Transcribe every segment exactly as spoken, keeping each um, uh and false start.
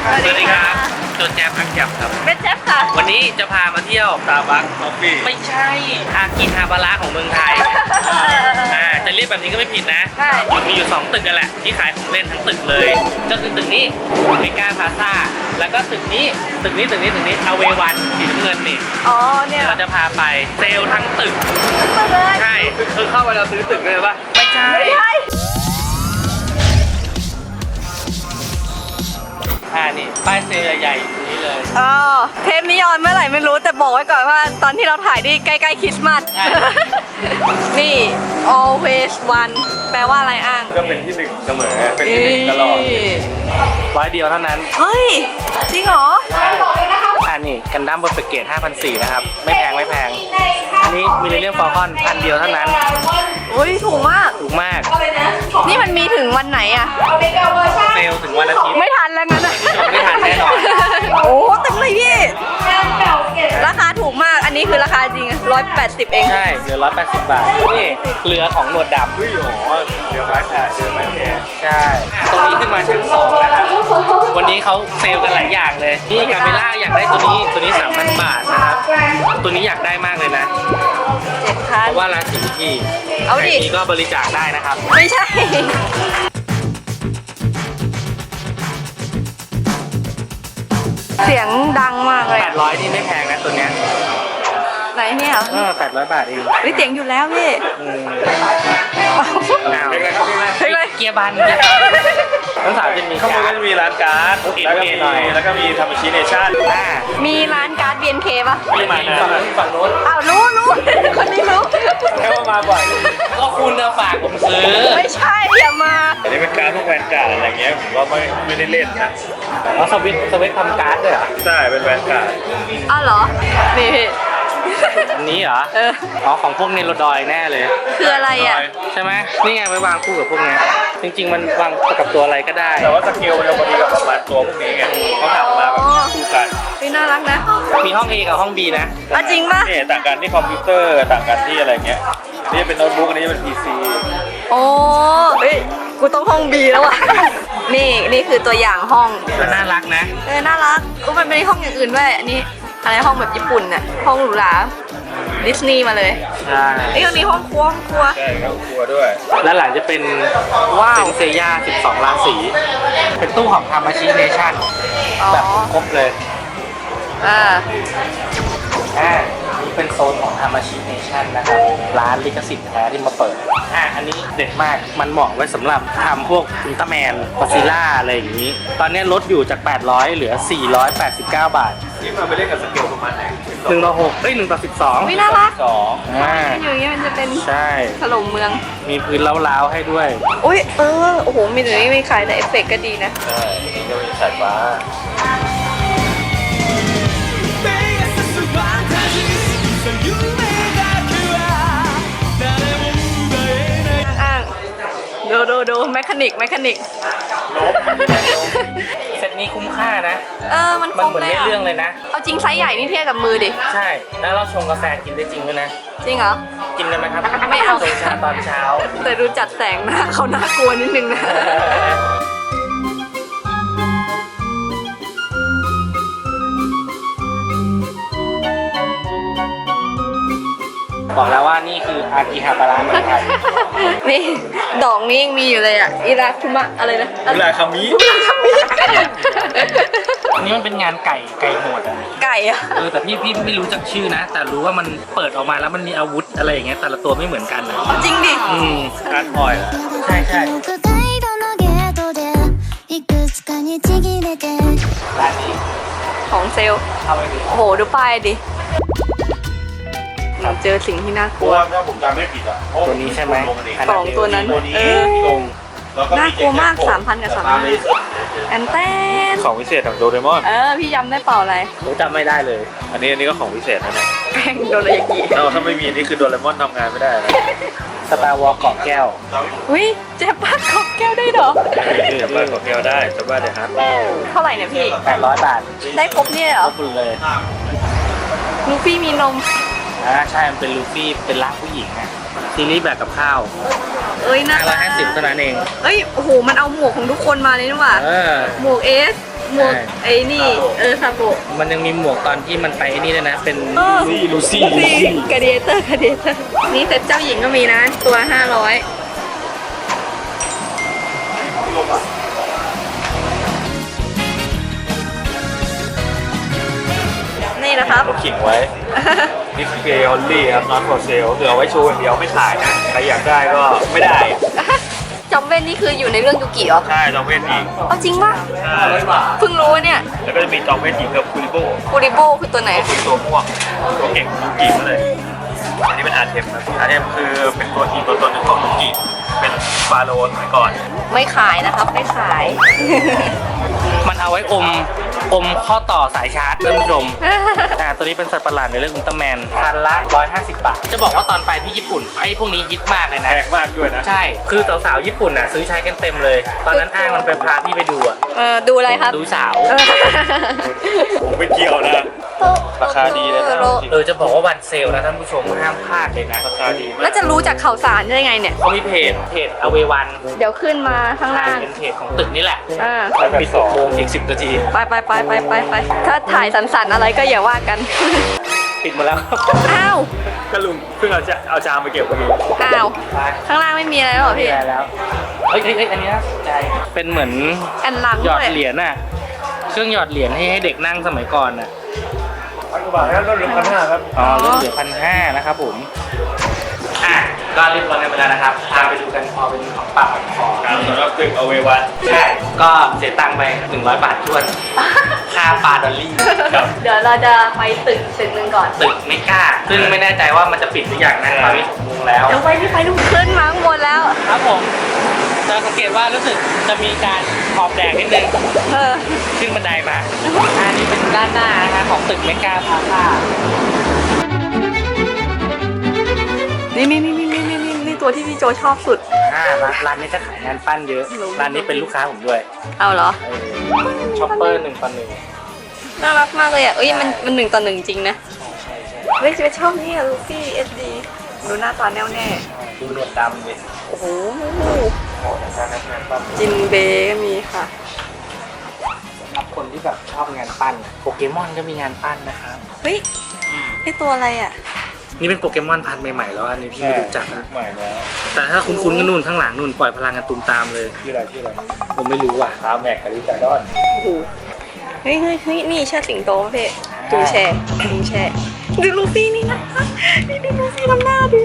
สวัสดีครับโจแจ๊บอักยับครับเป็นแจ๊บค่ะวันนี้จะพามาเที่ยวตาบักคอฟฟี่ไม่ใช่อากิฮาบาระของเมืองไทยอ่าจะเรียกแบบนี้ก็ไม่ผิดนะใช่มันมีอยู่สองตึกกันแหละที่ขายของเล่นทั้งตึกเลยก็คือตึกนี้เมกาพาซ่าแล้วก็ตึกนี้ตึกนี้ตึกนี้ตึกนี้อเววันสีน้ำเงินนี่อ๋อเนี่ยเราจะพาไปเซลล์ทั้งตึกมาเลยใช่คือเข้าไปเราซื้อตึกเลยป่ะไม่ใช่ไม่ใช่อ่านี่ป้ายเซลล์ใหญ่ๆอยู่นี้เลยอ๋อเทปนี้ออนเมื่อไหร่ไม่รู้แต่บอกไว้ก่อนว่าตอนที่เราถ่ายนี่ใกล้ๆคริสต์มาสใช่นี่ always one แปลว่าอะไรอ้างก็เป็นที่หนึ่งเสมอเป็นที่หนึ่งตลอดร้อยเดียวเท่านั้นเฮ้ย จริงเหรออ่านี่กันดั้มเบอร์เฟกเกตห้าพันสี่นะครับ ไม่แพงไม่แพง อันนี้มิเลเนียมฟอลคอนพันเดียวเท่านั้นอุ้ยถูกมากถูกมากนี่มันมีถึงวันไหนอะเซลล์ถึงวันอาทิตย์ไม่ทันแล้วงั้นอะไม่ทันแน่นอนโอ้เต็มเลยพี่ ราคาถูกมาก อันนี้คือราคาจริงร้อยแปดสิบเองใช่เหลือร้อยแปดสิบบาท นี่เรือของหนวดดเฮ้ยโอ้โหเดี๋ยวไม้ขาเดี๋ยวไม้แพรำใช่ ตรงนี้ขึ้นมาชั้นสองนะครับ วันนี้เขาเซลล์กันหลายอย่างเลย นี่กาเมล่าอยากได้ตัวนี้ ตัวนี้สามพันบาทนะครับ ตัวนี้อยากได้มากเลยนะเจ็ดพัเพนราะว่าราศีที่เอาดิใครมีก็บริจาคได้นะครับไม่ใช่ เสียงดังมากเลยแปดร้อยนี่ไม่แพงนะตัวเนี้ยไหนเนี่ยเหรอเออแปดร้อยบาทเองเฮ้ยเสียงอยู่แล้วพี่อืมอ้าวอ้าวเป็นไรครับเป็นไรเฮ้ยเลยเกียร์บันเนี่ยทั้งสามจะมีข้างบนกาก็รจะมีร้านการ์ดโอเคแล้วก็มีหน่อยแล้วก็มีทำมาชิเนชั่นอ่ามีร้านการ์ด บี เอ็น เค ป่ะมีมานะฝั่งนู้นฝั่งนู้นอ้าวรู้รู้คนนี้รู้แค่ว่ามาบ่อยก็คุณจะฝากผมซื้อไม่ใช่อย่ามาอันนี้เป็นการ์ดพวกแวนการ์ดอะไรเงี้ยผมว่าไม่ไม่ได้เล่นนะแล้วสวิตช์สวิตช์ทำการ์ดด้วยเหรอใช่เป็นแวนการ์ดอ้าวเหรอ นี่พี่อันนี้เหรอเอออ๋อของพวกเนโรดอยแน่เลยคืออะไรอ่ะใช่ไหมนี่ไงไว้วางคู่กับพวกเนี้ยจริง ๆ มันวางกับตัวอะไรก็ได้แต่ว่าสเกลมันจะพอดีกับประมาณตัวพวกนี้ไงเขาทำมาแบบคู่กันพี่น่ารักนะมีห้อง A กับห้อง B นะอ่ะจริงป่ะนี่ต่างกันที่คอมพิวเตอร์ต่างกันที่อะไรเงี้ยนี่เป็นโน้ตบุ๊กอันนี้เป็นพีซีโอ้เฮ้ย กูต้องห้องบีแล้วอ่ะ นี่นี่คือตัวอย่างห้องก็น่ารักนะเออ น่ารักอุ้ยมันเป็นห้องอย่างอื่นด้วย อันนี้อะไรห้องแบบญี่ปุ่นน่ะ ห้องหรูหราดิสนีย์มาเลยใช่ไอ้ยห้องนี้ห้องครัวห้องครัวใช่ครับครัวด้วยแล้วหลังจะเป็นว้าวเป็นเซย่าสิบสองราศีเป็นตู้ของทามาชิเนชั่นอ๋อแบบครบเลยอ่าอ่านี่เป็นโซนของทามาชิเนชั่นนะครับ ร้านลิขสิทธิ์แท้ที่มาเปิด อ่าอันนี้เด็ดมาก มันเหมาะไว้สำหรับทำพวกอุลตร้าแมนปาซิล่าอะไรอย่างนี้ ตอนนี้ลดอยู่จาก แปดร้อย เหลือ สี่ร้อยแปดสิบเก้า บาทนี่มาไปเล่นกับสเกลประมาณไหนหนึ่งต่อหกเอ้ยหนึ่งต่อสิบสองวิน่ารักสองอ่าอยู่อย่างเงี้ยมันจะเป็นใช่ถล่มเมืองมีพื้นเล้าๆให้ด้วยอุ้ยเออ โอ้โห มีหรือไม่ขายแต่เอฟเฟกต์ก็ดีนะใช่นี่ก็มีสายฟ้าอ้างๆดูดูดูแมคานิกแมคานิกเซตนี้คุ้มค่านะเออ มันคมัรนบเหมือนเลยในอะเรื่องเลยนะเอาจริงไซส์ใหญ่นี่เทียบกับมือดิใช่ แล้วเราชงกาแฟกินได้จริงด้วยนะจริงเหรอกินกันไหมครับไม่เอาชงชาตอนเช้าแต่ดูจัดแสงนะเขาน่ากลัวนิดนึงนะบอกแล้วว่านี่คืออากิฮาบาระเมืองไทยนี่ ดอกนี้ยังมีอยู่เลยอ่ะ อิราคุมะอะไรนะเวลาคามิอิราคามิอันนี้มันเป็นงานไก่ไก่โหดอ่ะไก่อะเออแต่พี่พี่ไม่รู้จักชื่อนะ แต่รู้ว่ามันเปิดออกมาแล้วมันมีอาวุธอะไรอย่างเงี้ยแต่ละตัวไม่เหมือนกันนะเอาจริงดิอืมการ์ดพอยล์ใช่ใช่北海道のゲートでいくつかにちぎれてร้านนี้ของเซลลเข้าไปดูโอ้โห ดูป้ายดิเราเจอสิ่งที่น่ากเพลัราะวว่าถ้าผมจำไม่ผิดอ่ะตัวนี้ใช่ไหมสองตัวนั้นตัวนี้เออลงแล้วก็น่ากลัวมากสามพันกับสามพัน แอนเต้นของพิเศษของโดเรมอนเออ พี่จำได้เปล่าอะไรผมจำไม่ได้เลยอันนี้อันนี้ก็ของพิเศษนะเนี่ยแป้งโดรายากิถ้าถ้าไม่มีนี่คือโดเรมอนทำงานไม่ได้นะสตาร์วอลเกาะแก้วอุ้ยเจ๊ป้าของแก้วได้เหรอจะบ้านของแก้วได้จะบ้านเดฮัทเท่าไหร่เนี่ยพี่แปดร้อยบาทได้ครบเนี่ยเหรครอบหมดเลยลูฟี่มีนมอ่าใช่มันเป็นลูฟี่เป็นร่างผู้หญิงอะซีรีส์แบบกับข้าวเอ้ยน่าห้าร้อยห้าสิบเท่านั้นเองเอ้ย โอ้โห มันเอาหมวกของทุกคนมาเลยนี่หว่าเออหมวกเอสหมวกไอ้นี่ เออซาโบะมันยังมีหมวกตอนที่มันไปไอ้นี่ด้วยนะ เป็นเออซี่ลูซี่ลูนี่ซี่กระเดเตอร์กระเดเตอร์นี่เซ็ตเจ้าหญิงก็มีนะ ตัวห้าร้อยนี่นะครับเราขิงไว้ นี่คือเกลลี่ครับ not for sale คือเอาไว้โชว์อย่างเดียวไม่ขายนะ ใครอยากได้ก็ไม่ได้จอมเว่นนี่คืออยู่ในเรื่องยูกิเหรอใช่จองเวทอีกเอาจริงป่ะใช่เพิ่งรู้เนี่ยแล้วก็จะมีจองเวทอีกกับคูริโบคูริโบคือตัวไหนคือตัวม่วงตัวเก่งของยูกิมาเลย อันนี้เป็นอาร์เทมนะอาร์เทมคือเป็นตัวทีมตัวตนหนึ่งของยูกิเป็นฟาโรห์สมัยก่อนไม่ขายนะครับ ไม่ขายมันเอาไว้อมอมข้อต่อสายชาร์จท่านผู้ชม อ่าตัวนี้เป็นสัตว์ประหลาดในเรื่องอุลตร้าแมนพันละร้อยห้าสิบบาท จะบอกว่าตอนไปที่ญี่ปุ่นไอ้พวกนี้ฮิตมากเลยแพนะงมากด้วยนะใช่ คือสาวๆญี่ปุ่นน่ะซื้อใช้กันเต็มเลย ตอนนั้นอ้างมันไปพาพี่ไปดูอ่ะเออดูอะไรครับดูสาวเออผมไม่เกี่ยวนะ ราคาดีเลยนะเออจะบอกว่าวันเซลนะท่านผู้ชมห้ามพลาดเลยนะราคาดีมาแล้วกจะรู้จากข่าวสารได้ไงเนี่ยเขามีเพจเพจอเววันเดี๋ยวขึ้นมาข้างล่างเป็นเพจของตึกนี่แหละอ่าปิดหกโมงอีกสิบนาทีไปไปไปไปไปไปถ้าถ่ายสันๆอะไรก็อย่าว่ากันปิดหมาแล้วอ้าวก็ลุงเพิ่งเอาจะเอาจามไปเก็บพอดีอ้าว ข้างล่างไม่มีอะไรแล้วเหรอไม่พี่ได้แล้ว เฮ้ยเฮ้ยเฮ้ยอันนี้น่าสนใจ เป็นเหมือนแอนหลังหยอด้ดวยเหรียญน่ะ เครื่องหยอดเหรียญให้ให้เด็กนั่งสมัยก่อนน่ะพันกว่าบาทแล้วลดเหลือพันห้าครับอ๋อลดเหลือพันห้านะครับผม อ่ะ ก็เรียบร้อยกันไปแล้วนะครับ พาไปดูกันพอเป็นของปากของคอครับสำหรับตึกเอาเววันใช่ ก็เสียตังค์ไปหนึ่งร้อยบาททวน ค่าปลาดอลลี่ครับเดี๋ยวเราจะไปตึกตึกหนึ่งก่อนตึกไม่กล้า ซึ่งไม่แน่ใจว่ามันจะปิดหรือยังนะตอนนี้หกโมงแล้วเดี๋ยวไปที่ไปดูขึ้นมาข้างบนแล้วครับผม จะสังเกตว่ารู้สึกจะมีการขอบแดงนิดนึงเออขึ้นบันไดมา อันนี้เป็นด้านหน้านะคะของตึกเมกาพาซ่านี่นี่นี่นี่นี่นี่นี่ตัวที่พี่โจชอบสุดอ่าร้านร้านนี้จะขายงานปั้นเยอะ ร้านนี้เป็นลูกค้าผมด้วยเอาเหรอเออช็อปเปอร์หนึ่งต่อหนึ่งน่ารักมากเลยอ่ะ เอ้ยมันมันหนึ่งต่อหนึ่งจริงนะใช่ใช่เฮ้ยจะชอบนี่อะลูฟี่เอสดีดูหน้าตาแน่วแน่ดูหนวดดำเลยโอ้โหโอ้แต่งานปั้นจินเบก็มีค่ะสำหรับคนที่แบบชอบงานปั้นโปเกมอนก็มีงานปั้นนะครับเฮ้ยไอตัวอะไรอ่ะนี่เป็นโปเกมอนพันธุ์ใหม่ๆแล้วอันนี้พี่ไม่รู้จักนะใหม่แล้วแต่ถ้าคุ้นๆก็นู่นข้างหลังนู่นปล่อยพลังกันตูมตามเลยชื่ออะไรชื่ออะไรผมไม่รู้อ่ะคาแม็กกับลิซาดอนโอ้โห เฮ้ยเฮ้ยเฮ้ยนี่เชิดสิงโตป่ะพี่จูแชร์จูแชร์ดูลูฟี่นี่นะนี่ดูลูฟี่ทำหน้าดิ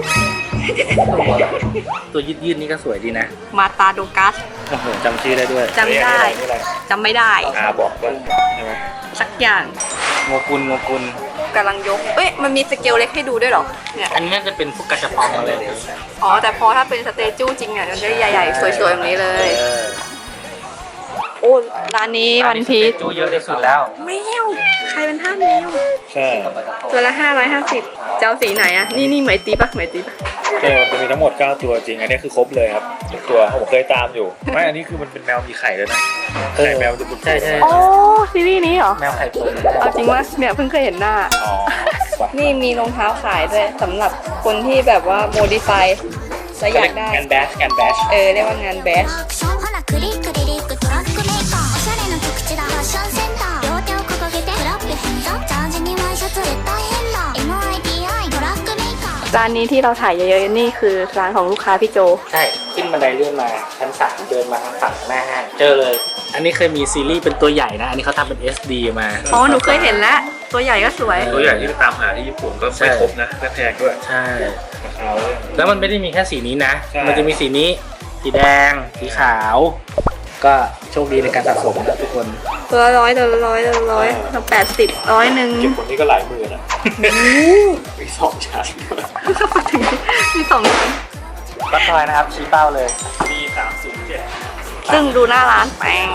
ตัวยืดๆนี่ก็สวยดีนะมาตาโดกัสโอ้โหจำชื่อได้ด้วยจำได้จำไม่ได้อาบอกว่าใช่ไหมสักอย่างโงกุลโงกุลกำลังยก เอ้ยมันมีสเกลเล็กให้ดูด้วยเหรอ เนี่ยอันนี้น่าจะเป็นพวกกระชับปองอะไรเลยอ๋อ แต่พอถ้าเป็นสเตจูจริงเนี่ยมันจะใหญ่ๆ สวยๆแบบนี้เลยเออโอ้ร้านนี้วันพีชจูเยอะที่สุดแล้วแมวใครเป็นท่าแมวใช่ตัวละห้าร้อยห้าสิบเจ้าสีไหนอะนี่นี่ไหมตีปะไหมตีปะเกลจะมีทั้งหมดเก้าตัวจริง อันนี้คือครบเลยครับทุกตัวผมเคยตามอยู่ ไม่ อันนี้คือมันเป็นแมวมีไข่ด้วยนะเออไข่แมวจะบุดใช่ใช่โอ้ซีรีส์นี้เหรอแมวไข่ตุ๋นเอาจริงว่าเนี่ยเพิ่งเคยเห็นหน้าอ๋อว่ะนี่มีรองเท้าขายด้วยสำหรับคนที่แบบว่าโมดิฟายแล้วอยากได้งานแบชงานแบชเออเรียกว่างานแบชアクションほらクリックリリックトラックメーカーおしゃれな特地だファッションセンター両手を掲げてクラップヘンズアップジャージにワイシャツ絶対変だ エムアイティーアイ トラックメーカーร้านนี้ที่เราถ่ายเยอะๆนี่คือร้านของลูกค้าพี่โจใช่ ขึ้นบันไดเลื่อนมาชั้นสามเดินมาทางฝั่งหน้าห้างเจอเลย อันนี้เคยมีซีรีส์เป็นตัวใหญ่นะ อันนี้เขาทำเป็น เอส ดี มาอ๋อหนูเคยเห็นแล้ว ตัวใหญ่ก็สวยตัวใหญ่ที่ตามหาที่ญี่ปุ่นก็ไม่ครบนะและแพงด้วยใช่ราคาเลยแล้วมันไม่ได้มีแค่สีนี้นะใช่มันจะมีสีนี้ สีแดง สีขาว ก็โชคดีในการสะสมนะทุกคนตัวละร้อยตัวละร้อยตัวละร้อยตัวแปดสิบร้อยหนึ่งเก็บคนนี้ก็หลายหมื่นอ่ะมีสองชั้นด้วยถึงมีสองชั้นก็ทอยนะครับ ชี้เป้าเลยมีสามศูนย์เจ็ดซึ่งดูหน้าร้านแปง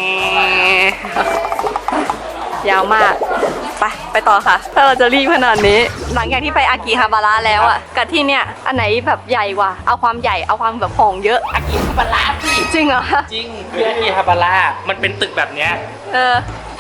ยาวมาก ไป ไปต่อค่ะ ถ้าเราจะรีบขนาดนี้ หลังจากที่ไปอากิฮาบาระแล้วอ่ะ กับที่เนี่ย อันไหนแบบใหญ่กว่า เอาความใหญ่ เอาความแบบของเยอะอากิฮาบาระพี่จริงเหรอจริงคืออากิฮาบาระมันเป็นตึกแบบเนี้ยเออท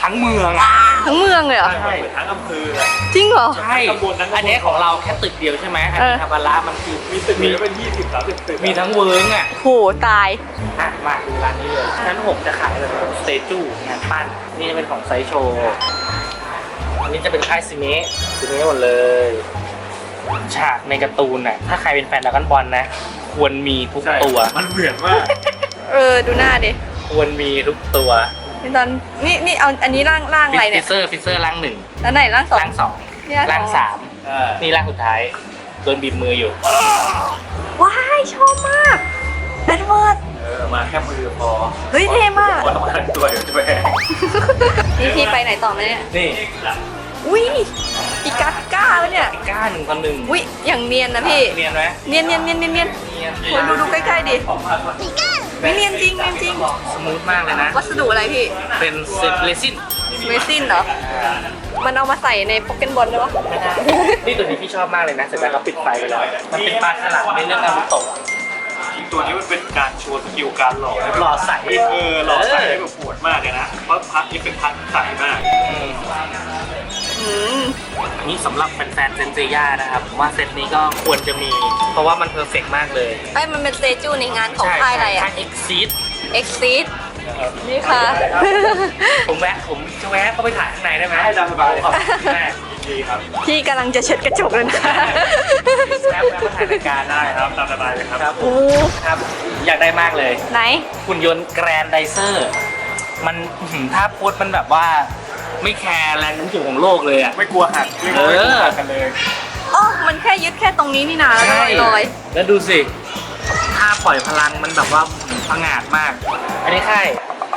ทั้งเมืองอะทั้งเมืองเลยเหรอใช่เหมือนทั้งอำเภอจริงเหรอใช่ตำบลนั้นตำบลอันนี้ของเราแค่ตึกเดียวใช่ไหมอันนี้เออฮาบาระมันคือมีตึกมีเป็นยี่สิบสามสิบตึกมีทั้งเวิร์กอ่ะโหตายอ่ะมาดูร้านนี้เลยชั้นหกจะขายแบบสเตจูงานปั้นนี่จะเป็นของไซโชอันนี้จะเป็นค่ายซีเมะซีเมะหมดเลยฉากในการ์ตูนน่ะถ้าใครเป็นแฟนดราก้อนบอลนะ ควรมีทุกใช่ตัวมันเหมือนมากเออดูหน้าดิควรมีทุกตัวนี่ตอนนี่นี่เอาอันนี้ร่างร่างอะไรฟิเนี่ยเซอร์ฟิเซอร์ร่างหนึ่งแล้วไหนร่างสองร่างสองเนี่ยร่างสามเออนี่ร่างสุดท้ายโดนบีบมืออยู่ว้ายชอบมากแอดเวิร์ดเออมาแค่มือพอเฮ้ยเท่มากคนต้องการตัวอยู่ด้วยนี่พี่ไปไหนต่อไหมเนี่ยนี่อุ้ยอีกัสก้าแล้วเนี่ยไอ้ก้าหนึ่งคนหนึ่งอุ้ยอย่างเนียนนะพี่เนียนไหมเนียนเนียนเนียนเนียนเนียนเนียนโหดูดูใกล้ๆดิไม่เนียนจริงเนียนจริงสมูทมากเลยนะวัสดุอะไรพี่เป็นเซตเรซินเมซินเหรอ มันเอามาใส่ในโปเกมอนได้ปะนี่ตัวนี้พี่ชอบมากเลยนะเสร็จแล้วเขาปิดไฟไปแล้ว มันเป็นปลาฉลามในเรื่องนารูโตะจริงตัวนี้มันเป็นการโชว์สกิลการหล่อหล่อใสเออหล่อใสได้แบบปวดมากเลยนะ เพราะพักนี้เป็นพักใสมากอืมอืมอันนี้สำหรับแฟนๆเซนเซย่านะครับผมว่าเซตนี้ก็ควรจะมี เพราะว่ามันเพอร์เฟกต์มากเลยไอ้ยมันเป็นเซจูในงานของค่ายอะไรอะค่ายเอ็กซีดเอ็กซิสนี่ค่ะผมแวะผมจะแวะเข้าไปถ่ายข้างในได้ไหมได้ตามสบายขอบคุณแม่ดีครับพี่กำลังจะเช็ดกระจกเลยนะแวะแวะมาถ่ายรายการได้ได้ครับตามสบายเลยครับครับผโอ้มครับอยากได้มากเลยไหนหุ่นยนต์แกรนไดเซอร์ มันอื้อหือถ้าโพสต์มันแบบว่า ไม่แคร์แรงโน้มถ่วงของโลกเลยอ่ะไม่กลัวหักไม่กลัวไม่กลัวหักกันเลยอ๋อ มันแค่ยึดแค่ตรงนี้นี่นาแล้วก็ลอยแล้วดูสิถ้าปล่อยพลังมันแบบว่าผงาดมาก อันนี้ค่าย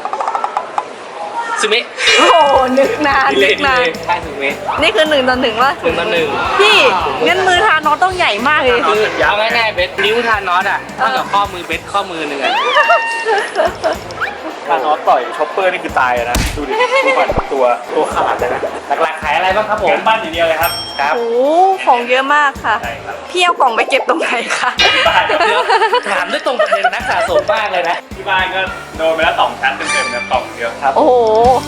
ซึเมะๆโอ้โหนึกนานนึกนานค่ายซึเมะนี่คือหนึ่งต่อหนึ่งวะหนึ่งต่อหนึ่งพี่งั้นมือทานอตต้องใหญ่มากเลยคือเอาง่ายๆเบสนิ้วทานอสอ่ะเท่ากับข้อมือเบสข้อมือหนึ่งอ่ะถ้าน็อตต่อยช็อปเปอร์นี่คือตายอะนะ ดูดิดูมันตัวตัวขาดเลยนะหลักๆขายอะไรบ้างครับผมงานบ้านอย่างเดียวเลยครับครับโอ้โหของเยอะมากค่ะใช่ครับพี่เอากล่องไปเก็บตรงไหนคะบ้านเดี๋ยวถามด้วยตรงประเด็นนักสะสมมากเลยนะที่บ้านก็โดนไปแล้วสองชั้นเต็มๆนะกล่องเดียวครับโอ้โห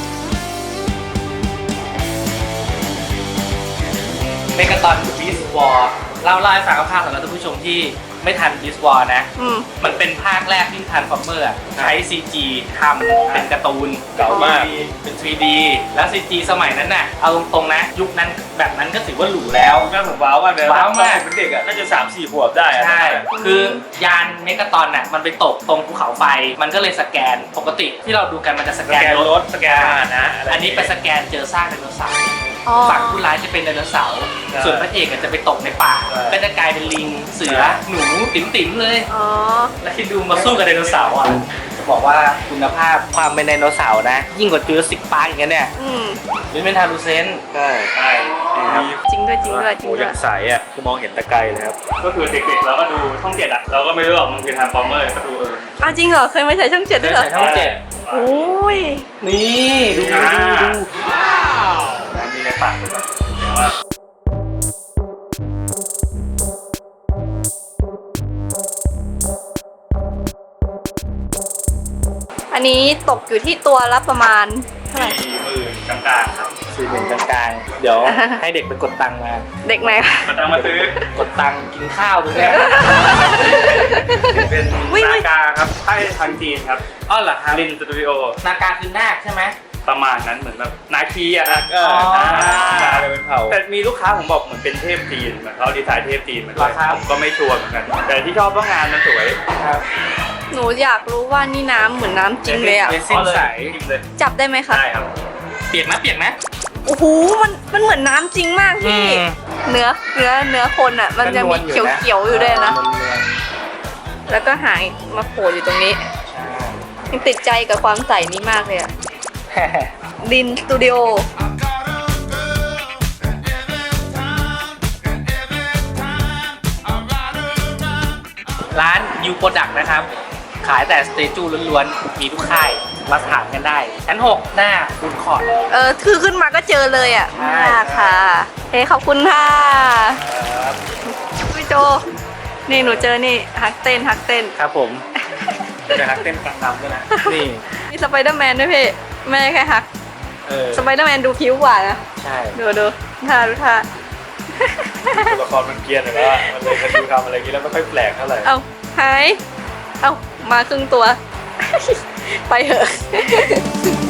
เมกาตอนบีสวอร์เล่าเล่าให้ฟังคร่าวๆสำหรับท่านผู้ชมที่ไม่ทันบีสวอร์นะอืมมันเป็นภาคแรกที่ทันฟอร์เมอร์ใช้ ซี จี ทำเป็นการ์ตูนเก่ามากเป็น ทรี ดี แล้ว ซี จี สมัยนั้นน่ะ เอาตรงๆนะ ยุคนั้นแบบนั้นก็ถือว่าหรูแล้วแม่ผมว้าวมากเลยว้าวมากเป็นเด็กอะน่าจะสามสี่ขวบได้อะใช่ คือยานเมกาตอนน่ะมันไปตกตรงภูเขาไฟ มันก็เลยสแกน ปกติที่เราดูกันมันจะสสแกแกนนรรถถสแกนอาหารนะะรอันนี้ไปสแกนเจอซากไดโนเสาร์อ๋อฝั่งผู้ร้ายจะเป็นไดโนเสาร์ใช่ส่วนพระเอกอะจะไปตกในป่าใช่ก็จะกลายเป็นลิง เสือ หนู ติ๋มๆเลยอ๋อแล้วคิดดูมาสู้กับไดโนเสาร์อ่ะ จะบอกว่าคุณภาพความเป็นไดโนเสาร์นะ ยิ่งกว่าจูราสสิกพาร์คอย่างเงี้ยเนี่ยอืมหรือเป็นทารูเซนต์ใช่ใช่ดีครับจริงด้วยจริงด้วยจริงโอ้ด้วยัยงใสอ่ะคือมองเห็นตะไกลเลยครับ ก็คือเด็กๆเราก็ดูช่องเจ็ดอ่ะ เราก็ไม่รู้หรอกมันคือทางฟอร์เมอร์ก็ดูเอออ้าวจริงเหรอ เคยมาใช้ช่องเจ็ดด้วยเหรอใส่ช่องเจ็ดโอ้ยนี่ดูดูดูดูร้านนี้ในปากเลยแต่ว่าอันนี้ตกอยู่ที่ตัวละประมาณเท่าไหร่สี่หมื่นกลางๆครับสี่หนึ่งกลางๆ เดี๋ยวให้เด็กไปกดตังค์มาเด็กไหนคะมาตั้งมาซื้อกดตังค์กินข้าวตรงเนี้ยเป็นอุ๊ยนากาครับใช่ทางจีนครับอ้อเหรอครับลินสตูดิโอนาการคือนาคใช่ไหมประมาณนั้นเหมือนแบบนาคีอ่ะนะเอออ๋อนาเลยเป็นเผ่าแต่มีลูกค้าผมบอกเหมือนเป็นเทพจีนเหมือนเขาดีไซน์เทพจีนมาด้วยผมก็ไม่ชัวร์เหมือนกัน แต่ที่ชอบว่างานมันสวยครับหนูอยากรู้ว่านี่น้ำเหมือนน้ำจริงเลยอ่ะเรซินใสจริงเลยจับได้ไหมคะได้ครับเปียกนะเปียกนะโอ้โห มันมันเหมือนน้ำจริงมากพี่อืมเนื้อเนื้อเนื้อคนอ่ะ มันจะมีเขียวเขียวๆอยู่ด้วยนะมันนวลแล้วก็หางมาโผล่อยู่ตรงนี้ใช่ยังติดใจกับความใสนี้มากเลยอ่ะแฮ่ดินสตูดิโอร้านยูโปรดักนะครับ ขายแต่สเตจูล้วนๆ มีทุกค่าย มาถามกันได้ ชั้นหกหน้าฟูดคอร์ทเออ คือขึ้นมาก็เจอเลยอ่ะใช่มากค่ะ เฮ้ยขอบคุณค่ะพี่โจ นี่หนูเจอนี่ฮักเต้นฮักเต้นครับผมจะฮักเต้นกลางน้ำด้วยนะนี่มีสไปเดอร์แมนด้วยพี่ ไม่ใช่แค่ฮักเเออสไปเดอร์แมนดูผิวกว่านะใช่ดูดูท่าดูท่าตัวละครมันเกรียนอยู่แล้วอะมันเลยมันดูทำอะไรอย่างนี้แล้วไม่ค่อยแปลกเท่าไหร่เอาหาย เอามาครึ่งตัว ไปเถอะ